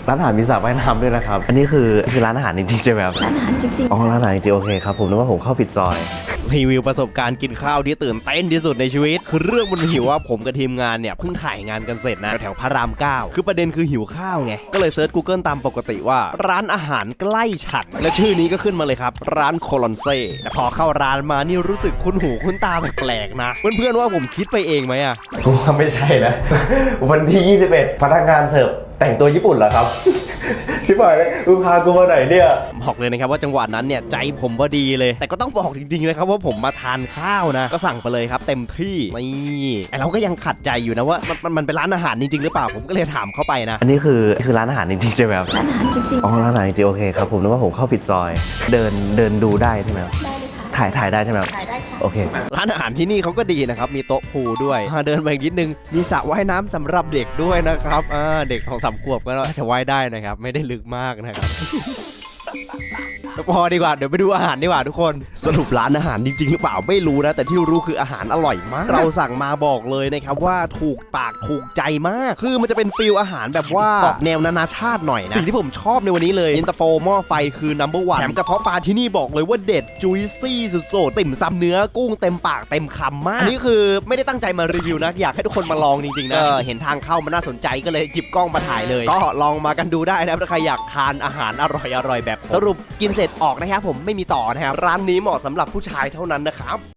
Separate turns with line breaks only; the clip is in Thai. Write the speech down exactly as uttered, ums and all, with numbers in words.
ร้านอาหารมีสระว่ายน้ำด้วยนะครับอันนี้คือคือร้านอาหารจริงๆใช่ไหมครับ
ร้านอาหารจริงๆ
อ๋อร้านอาหารจริงๆโอเคครับผมนึกว่าผมเข้าผิดซอย
รีวิวประสบการณ์กินข้าวที่ตื่นเต้นที่สุดในชีวิตคือเรื่องมันหิวว่าผมกับทีมงานเนี่ยเพิ่งถ่ายงานกันเสร็จนะแถวพระรามเก้าคือประเด็นคือหิวข้าวไงก็เลยเซิร์ช Google ตามปกติว่าร้านอาหารใกล้ฉันและชื่อนี้ก็ขึ้นมาเลยครับร้านโคลอนเซ่แต่พอเข้าร้านมานี่รู้สึกคุ้นหูคุ้นตาแปลกๆนะเพื่อนๆว่าผมคิดไปเองไหมอะ
ผมว่าไม่ใช่นะวันที่ยี่สิบเอ็ดพนักงานเสิร์ฟแต่งตัวญี่ปุ่นเหรอครับชิบหายเลยมึงพากูมาไหนเนี่ย
บอกเลยนะครับว่าจังหวะนั้นเนี่ยใจผมพอดีเลยแต่ก็ต้องบอกจริงๆนะครับว่าผมมาทานข้าวนะก็สั่งไปเลยครับเต็มที่นี่ไอเราก็ยังขัดใจอยู่นะว่ามันมันเป็นร้านอาหารจริงๆหรือเปล่าผมก็เลยถามเข้าไปนะ
อันนี้คือคือร้านอาหารจริงๆใช่ไหมครับ
ร้านอาหารจริง
อ๋อร้านอาหารจริงๆโอเคครับผมนึกว่าผมเข้าผิดซอยเดินเดินดูได้ใช่ไหมครับ
ๆได้เลยค่ะ
ถ่ายถ่ายได้ใช่ไหมครับ
ถ่ายได้ค่ะ
โอเค
ร้านอาหารที่นี่เขาก็ดีนะครับมีโต๊ะพูลด้วยเดินไปอีกนิดนึงมีสระว่ายน้ำสำหรับเด็กด้วยนะครับเด็กสองสามขวบก็จะว่ายได้นะครับไม่ได้ลึกมากนะครับพอดีกว่าเดี๋ยวไปดูอาหารดีกว่าทุกคนสรุปร้านอาหารจริงๆหรือเปล่าไม่รู้นะแต่ที่รู้คืออาหารอร่อยมากเราสั่งมาบอกเลยนะครับว่าถูกปากถูกใจมากคือมันจะเป็นฟิลอาหารแบบว่าออกแนวนานาชาติหน่อยนะสิ่งที่ผมชอบในวันนี้เลยอินเตอร์โฟหม้อไฟคือ นัมเบอร์ วัน แถมกระเพาะปลาที่นี่บอกเลยว่าเด็ดจุยซี่สุดๆติ่มซำเนื้อกุ้งเต็มปากเต็มคำมากอันนี้คือไม่ได้ตั้งใจมารีวิวนะอยากให้ทุกคนมาลองจริงๆนะเห็นทางเข้ามันน่าสนใจก็เลยหยิบกล้องมาถ่ายเลยก็ลองมากันดูได้นะถ้าใครอยากทานอาหารอร่อยๆแบบสรุปกินเสร็จออกนะครับผมไม่มีต่อนะครับร้านนี้เหมาะสำหรับผู้ชายเท่านั้นนะครับ